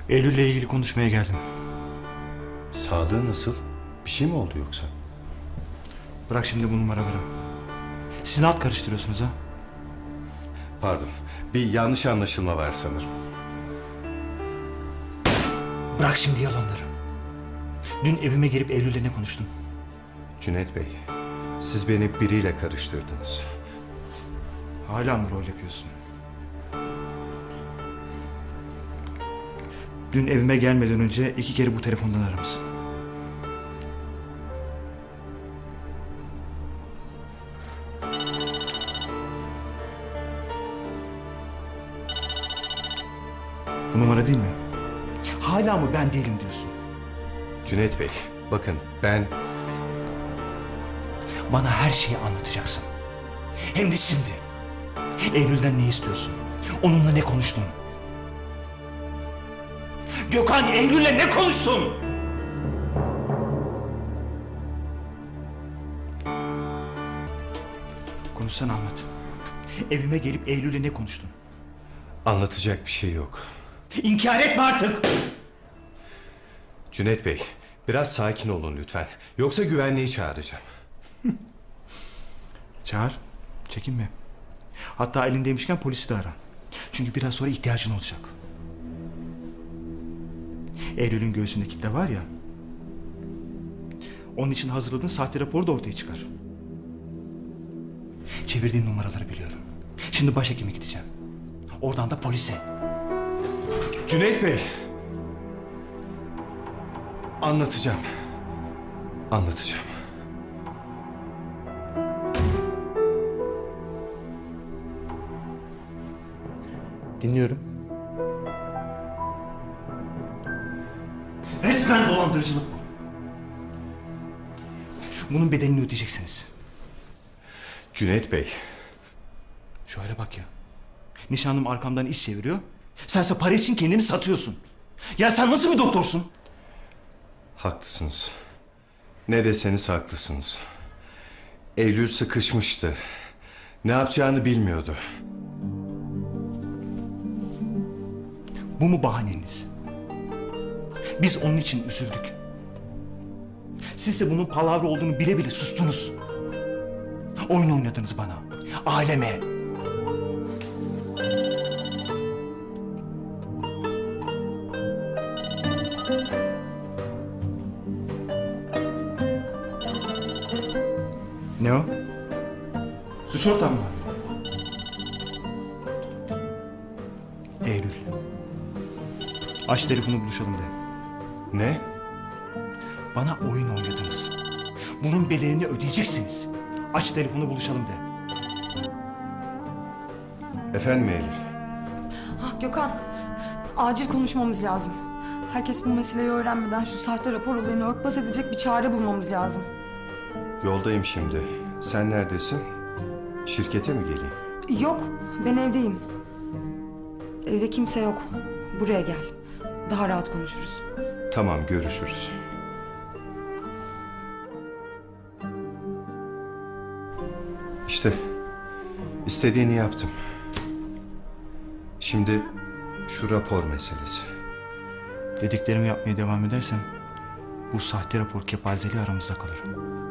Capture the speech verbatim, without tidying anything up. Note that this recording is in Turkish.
Eylül'le ilgili konuşmaya geldim. Sağlığı nasıl? Bir şey mi oldu yoksa? Bırak şimdi bu numaraları. Siz ne alt karıştırıyorsunuz ha? Pardon, bir yanlış anlaşılma var sanırım. Bırak şimdi yalanları. Dün evime gelip Eylül'le ne konuştun? Cüneyt Bey, siz beni biriyle karıştırdınız. Hala mı rol yapıyorsun? Dün evime gelmeden önce iki kere bu telefondan aramışsın. Bu numara değil mi? Hala mı ben değilim diyorsun? Cüneyt Bey, bakın ben... Bana her şeyi anlatacaksın. Hem de şimdi. Eylül'den ne istiyorsun? Onunla ne konuştun? Gökhan, Eylül'le ne konuştun? Konuşsana, anlat. Evime gelip Eylül'le ne konuştun? Anlatacak bir şey yok. İnkar etme artık! Cüneyt Bey, biraz sakin olun lütfen. Yoksa güvenliği çağıracağım. Çağır, çekinme. Hatta elindeymişken polisi de ara. Çünkü biraz sonra ihtiyacın olacak. Eylül'ün göğsünde kitle var ya... Onun için hazırladığın sahte raporu da ortaya çıkar. Çevirdiğin numaraları biliyorum. Şimdi başhekime gideceğim. Oradan da polise. Cüneyt Bey! Anlatacağım. Anlatacağım. Dinliyorum. Resmen dolandırıcılık bu. Bunun bedelini ödeyeceksiniz. Cüneyt Bey. Şöyle bak ya. Nişanlım arkamdan iş çeviriyor. Sense para için kendini satıyorsun. Ya sen nasıl bir doktorsun? Haklısınız. Ne deseniz haklısınız. Eylül sıkışmıştı. Ne yapacağını bilmiyordu. Bu mu bahaneniz? Biz onun için üzüldük. Siz de bunun palavra olduğunu bile bile sustunuz. Oyun oynadınız bana, aileme. Ne o? Suç ortağı mı? Eylül. Aç telefonu, buluşalım de. Ne? Bana oyun oynadınız. Bunun bedelini ödeyeceksiniz. Aç telefonu, buluşalım de. Efendim Eylül? Ah Gökhan, acil konuşmamız lazım. Herkes bu meseleyi öğrenmeden şu sahte rapor olayını örtbas edecek bir çare bulmamız lazım. Yoldayım şimdi. Sen neredesin? Şirkete mi geleyim? Yok, ben evdeyim. Evde kimse yok. Buraya gel. Daha rahat konuşuruz. Tamam, görüşürüz. İşte istediğini yaptım. Şimdi şu rapor meselesi. Dediklerimi yapmaya devam edersen bu sahte rapor kepazeliği aramızda kalır.